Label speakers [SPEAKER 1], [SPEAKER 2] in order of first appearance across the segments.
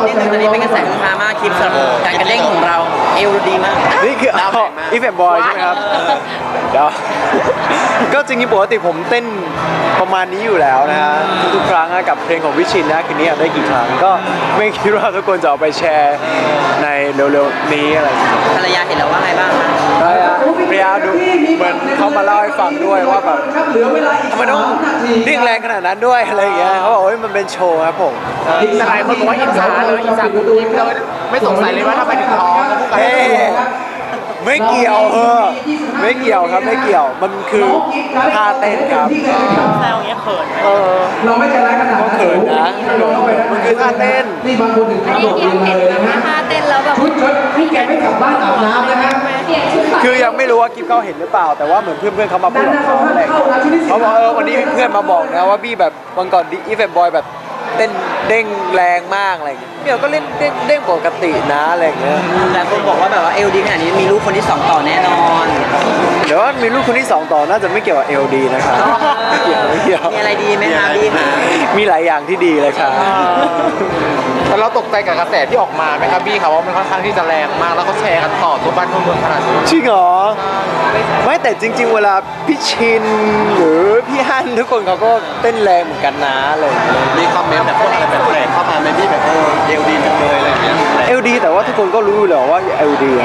[SPEAKER 1] ดนึงตอนนี้เป็นกระแสฮือฮามากคลิปสำหรับการกระเด้งของเราเอวดีมาก
[SPEAKER 2] นี่คืออีเฟมบอยใช่ไหมครับเดี๋ยวก็จริงๆปกติผมเต้นประมาณนี้อยู่แล้วนะฮะทุกๆครั้งกับเพลงของวิชินนะคืนนี้ได้กี่ครั้งก็ไม่คิดว่าทุกคนจะเอาไปแชร์ในเร็วๆนี้อะไร
[SPEAKER 1] ภรรยาเห็นแล้วว่าไงบ้างคะ
[SPEAKER 2] ภรรยาดูเหมือนเขามาเล่าให้ฟังด้วยว่าแบบทำไมต้องเรียกแรงขนาดนั้นด้วยอะไรอย่างเงี้ยเขาบอกว่ามันเป็นโชว์ครับผม
[SPEAKER 3] แต่หลายคนบอกว่าอิจฉาเลยอิจฉาคุณยิ้มเลยไม่สงสัยเลยว่าทำไมถึงท้อง
[SPEAKER 2] เฮ้ไม่เกี่ยวไม่เกี่ยวครับไม่เกี่ยวมันคือท่าเต้นครับ
[SPEAKER 1] แซวเงี้ยเขิน
[SPEAKER 2] เราไม่ใจร้ายขนาดนั้นเขินนะมันคือท่าเต้น
[SPEAKER 4] นี่บางคนถึงกระโดดเลยนะฮะ
[SPEAKER 5] ท่าเต้นแล้วแบบ
[SPEAKER 4] ชุดพี่แกไม่กลับบ้านอาบน้ำนะฮะ
[SPEAKER 2] คือยังไม่รู้ว่ากิ๊บเขาเห็นหรือเปล่าแต่ว่าเหมือนเพื่อนเขามาพูดกับเขาอะไรเขาบอกวันนี้เพื่อนมาบอกนะว่าบี้แบบวันก่อนอีเฟมบอยแบบเต้นเด้งแรงมากอะไรอย่างเงี้ยเดี๋ยวก็เล่นเด้งปกตินะอะไรอย่างเงี้ย
[SPEAKER 1] แต่คนบอกว่าแบบว่าเอลดีขนาดนี้มีลูกคนที่2ต่อแน่นอน
[SPEAKER 2] เดี๋ยวมีลูกคนที่2ต่อน่าจะไม่เกี่ยวกับเอลดีนะครับไม่เกี่ยว
[SPEAKER 1] มีอะไรดีไหมคะบี้คะ
[SPEAKER 2] มีหลายอย่างที่ดีเลยครับ
[SPEAKER 3] แต่เราตกใจกับกระแสที่ออกมาไหมครับบี้ครับว่ามันค่อนข้างที่จะแรงมากแล้วก็แชร์กันต่อทั่วบ้านทั่วเมืองขนาดนี้
[SPEAKER 2] จริงเหรอไม่แต่จริงๆเวลาพี่ชินหรือพี่ฮั่นทุกคนเขาก็เต้นแรงเหมือนกันนะเลย
[SPEAKER 3] มีคอมเมนต์แบบพวกอะไรแปลกๆเข้ามาในบี้แบบเอลดีจังเลยอะไรอย่างเงี้ย
[SPEAKER 2] เอลดีแต่ว่าทุกคนก็รู้อยู่แล้วว่าเอลดี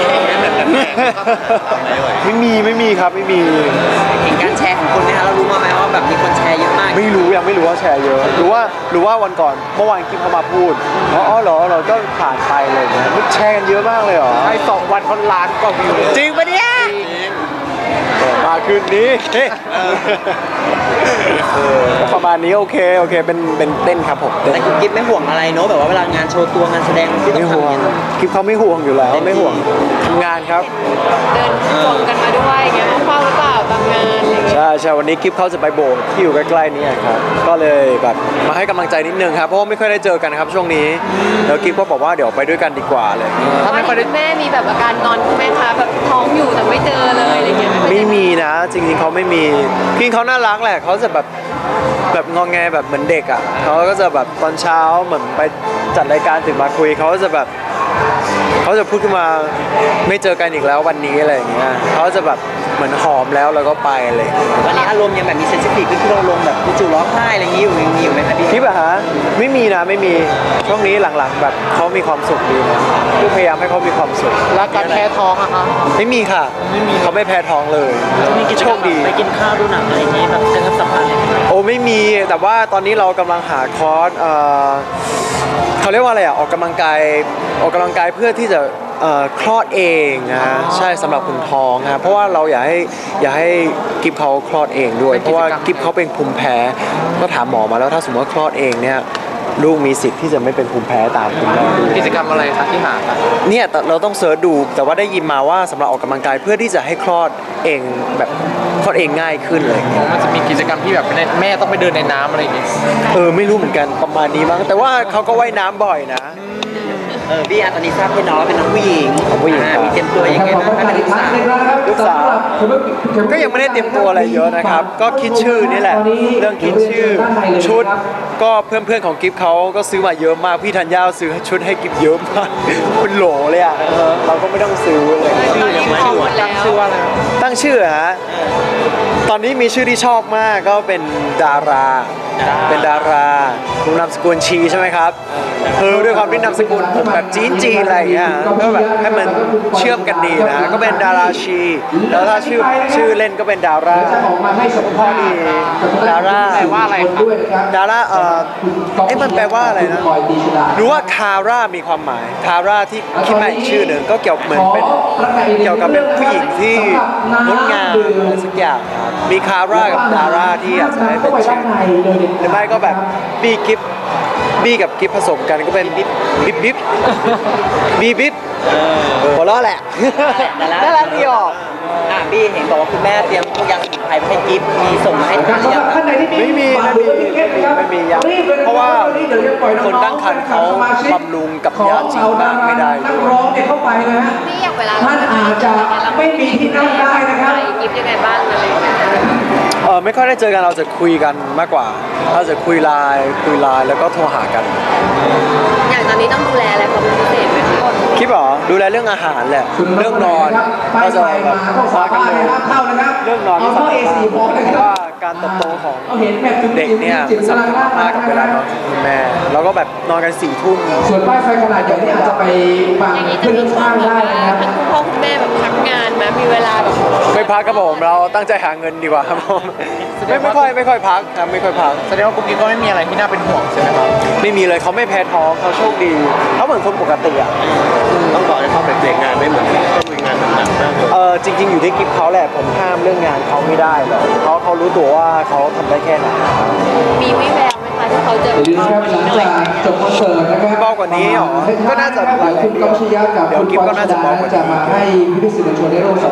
[SPEAKER 2] ไม่มีครับไม่มี
[SPEAKER 1] เห็นการแชร์ของคนไหมคะเรารู้มาไหมว่าแบบมีคนแชร์เยอะมาก
[SPEAKER 2] ไม่รู้ยังไม่รู้ว่าแชร์เยอะหรือว่าวันก่อนเมื่อวานกิ๊บเขามาพูดอ๋อเหรอเราก็ผ่านไปเลยนะแชร์กันเยอะมากเลยเหรอ
[SPEAKER 3] ใช่2 วันคนล้านกว่าวิว
[SPEAKER 2] จริงปะเนี่ยมาคืนนี้ประมาณนี้โอเคเป็นเต้นครับผม
[SPEAKER 1] แต่กิ๊บไม่ห่วงอะไรเนอะแบบว่าเวลางานโชว์ตัวงานแสดงที่ต้องทำอย่างนี้
[SPEAKER 2] กิ๊บเขาไม่ห่วงอยู่แล้วไม่ห่วงทำงานครับ
[SPEAKER 5] เดินชมกันมาด้วยเงี้ยเฝ้าหรือเปล่าบางงานอะไรเงี้ย
[SPEAKER 2] ใช่วันนี้กิ๊บเขาจะไปโบสถ์ที่อยู่ใกล้ๆนี้ครับก็เลยแบบมาให้กำลังใจนิดนึงครับเพราะว่าไม่ค่อยได้เจอกันครับช่วงนี้แล้วกิ๊บก็บอกว่าเดี๋ยวไปด้วยกันดีกว่าเลย
[SPEAKER 5] ถ้าไม่ค่อยได้แม่มีแบบอาการงอนแม่คะแบบท้องอยู่แต่ไม่เจอเลยอะไรเงี้ย
[SPEAKER 2] ไม่มีนะจริงๆเขาไม่มีพี่เขาน่ารักแหละเขาจะแบบงอแงแบบเหมือนเด็กอ่ะเขาก็จะแบบตอนเช้าเหมือนไปจัดรายการตื่นมาคุยเขาจะแบบเขาจะพูดขึ้นมาไม่เจอกันอีกแล้ววันนี้อะไรอย่างเงี้ยเขาจะแบบเหมือนหอมแล้วก็ไปเลย
[SPEAKER 1] วันนี้อารมณ์ยังแบบมีเซนซิทีฟที่เราลงแบบจู่ร้องไห้อะไรอย่างงี้อยู่ไหมครับพี่
[SPEAKER 2] แบบฮะไม่มีนะไม่มีช่วงนี้หลังๆแบบเขามีความสุขดีนะคือพยายามให้เขามีความสุข
[SPEAKER 3] แล้วการแพ้ท้องอะคะ
[SPEAKER 2] ไม่มีค่ะเขาไม่แพ้ท้องเลยโชคดี
[SPEAKER 1] ไปกินข้าวดูหนังอะไรอย่างงี้แบบกระชับสัมพันธ์
[SPEAKER 2] โอ้ไม่มีแต่ว่าตอนนี้เรากำลังหาคอร์สเขาเรียกว่าอะไรออกกำลังกายเพื่อที่จะคลอดเองนะใช่สำหรับคุณท้องนะเพราะว่าเราอยากให้กิฟเขาคลอดเองด้วยเพราะว่ากิฟเขาเป็นภูมิแพ้ก็ถามหมอมาแล้วถ้าสมมติว่าคลอดเองเนี่ยลูกมีสิทธิ์ที่จะไม่เป็นภูมิแพ้ตามคุณแม่
[SPEAKER 3] กิจกรรมอะไรคะที่หา
[SPEAKER 2] เนี่ยเราต้องเสิร์ชดูแต่ว่าได้ยินมาว่าสำหรับออกกำลังกายเพื่อที่จะให้คลอดเองแบบคลอดเองง่ายขึ้นเลย
[SPEAKER 3] มันจะมีกิจกรรมที่แบบแม่ต้องไปเดินในน้ำอะไรอย่างเงี้ย
[SPEAKER 2] ไม่รู้เหมือนกันประมาณนี้มั้งแต่ว่าเขาก็ว่ายน้ำบ่อยนะ
[SPEAKER 1] พี่ตอนนี้ทราบเป็นน้องเป็นน้องผู้หญิงมีเตรียมตัวยังไงบ้างคะ
[SPEAKER 2] ลูกสาวก็ยังไม่ได้เตรียมตัวอะไรเยอะนะครับก็คิดชื่อนี่แหละเรื่องคิดชื่อชุดก็เพื่อนของกิฟเขาก็ซื้อมาเยอะมากพี่ธัญญาซื้อชุดให้กิฟเยอะมากเป็นโหลเลยอ่ะเราก็ไม่ต้องซื้อเลย
[SPEAKER 5] ชื่อยังไม่รู้ตั้ง
[SPEAKER 3] ชื่อว่าอะไร
[SPEAKER 2] ตั้งชื่อฮะตอนนี้มีชื่อที่ชอบมากก็เป็นดาราดูนามสกุลชีใช่ไหมครับด้วยความที่นามสกุลผมแบบจีนอะไรอย่างเงี้ยก็แบบให้มันเชื่อมกันดีนะก็เป็นดาราชีแล้วถ้าชื่อเล่นก็เป็นดาราพอดีดารา
[SPEAKER 3] แปลว่าอะไร
[SPEAKER 2] ดารามันแปลว่าอะไรนะรู้ว่าคาร่ามีความหมายคาร่าที่คิดมาอีกชื่อหนึ่งก็เกี่ยวเหมือนเป็นเกี่ยวกับเป็นผู้หญิงที่งดงามอะไรสักอย่างมีคาร่ากับดาราที่อยากจะให้เป็นชื่อหรือไม่ก็แบบบี้กับกิฟผสมกันก็เป็นบิ๊บหัวเราะแหละน่ารักดีออก
[SPEAKER 1] บี้เห็นบอกว่าคุณแม่เตรียมพวกยาสมุนไพรให้กิฟมีส่งมาให้ทานหรือยัง
[SPEAKER 2] ไม่มียังเพราะว่าคนตั้งครรภ์เขาบำรุงกับยาจีนมากไม่ได้
[SPEAKER 4] ร้องเข้าไปนะฮะ
[SPEAKER 5] นี่อย่างเวลา
[SPEAKER 4] ท่านอาจจะไม่มีที่นั่งได้นะครับ
[SPEAKER 5] กิฟยังไงบ้างอะไร
[SPEAKER 2] ไม่ค่อยได้เจอกันเราจะคุยกันมากกว่า เราจะคุยไลน์แล้วก็โทรหากัน
[SPEAKER 5] อย่างตอนนี้ต้องดูแลอะไรความเป็นพิเศษไหมคะ
[SPEAKER 2] คิดเหรอดูแลเรื่องอาหารแหละเรื่องนอน
[SPEAKER 4] ไป
[SPEAKER 2] เราจะ
[SPEAKER 4] ไปมาต้องสาบ้านเลยครับเข้านะครับ
[SPEAKER 2] เรื่องนอน
[SPEAKER 4] เอาเข้า A4 พอเลย
[SPEAKER 2] เพ
[SPEAKER 4] ค
[SPEAKER 2] ราะ
[SPEAKER 4] รับ
[SPEAKER 2] ว่าการเติบโตของ
[SPEAKER 4] เอาเห็นแบบจุ๊บ
[SPEAKER 2] เด็กเนี่ย
[SPEAKER 4] จิ๋ว
[SPEAKER 2] สำ
[SPEAKER 4] กำลัง
[SPEAKER 2] คัญมากกับเวลานอนของคุณแม่แล้วก็แบบนอนกัน4 ทุ่ม
[SPEAKER 4] ส่วนป้ายไฟขนาดใหญ่นี่อาจจะไปบัง
[SPEAKER 5] อย่างนี้จะ
[SPEAKER 4] ขึ้น
[SPEAKER 5] มีช่ว
[SPEAKER 4] ข้าง ง
[SPEAKER 5] แบบ
[SPEAKER 4] ได้
[SPEAKER 5] ว่า
[SPEAKER 4] นะครับ
[SPEAKER 5] ทั้งคุณพ่อคุณแม่แบบพักงานไหมมีเวลาแบบ
[SPEAKER 2] ไม่พักครับผมเราตั้งใจหาเงินดีกว่าครับผมไม่ค่อยพักครับไม่ค่อยพัก
[SPEAKER 3] แสดงว่ากุ๊กกิ๊กก็ไม่มีอะไรที่น่าเป็นห่วงใช่ไหมครับ
[SPEAKER 2] ไม่มีเลยเขาไม่แพ้ท้องเขาโชคดีเขาเหมือนคนปกติอ่ะ
[SPEAKER 1] ต้องบอกเลยเขาเป็นเด็กงานไม่เหมือนต้องมีงานหนักมากเลย
[SPEAKER 2] จริง ๆ อยู่ที่กิฟเขาแหละผมห้ามเรื่องงานเขาไม่ได้หรอกเขารู้ตัวว่าเขาทำได้แค่ไหน
[SPEAKER 5] มีวิแววไหมคะที่เขาจะ
[SPEAKER 4] อย่าลืมครับหลังจากจบคอนเสิร์ตนะครับ
[SPEAKER 2] เบากว่านี้เหรอก็น่าจะ
[SPEAKER 4] คุณกำชยะกับ
[SPEAKER 2] เดี๋ยว
[SPEAKER 4] คุณ
[SPEAKER 2] กิ๊บก็น่าจะเบากว่านี้
[SPEAKER 4] จะมาให้พิธีสื่อมวลชนได้ร่วม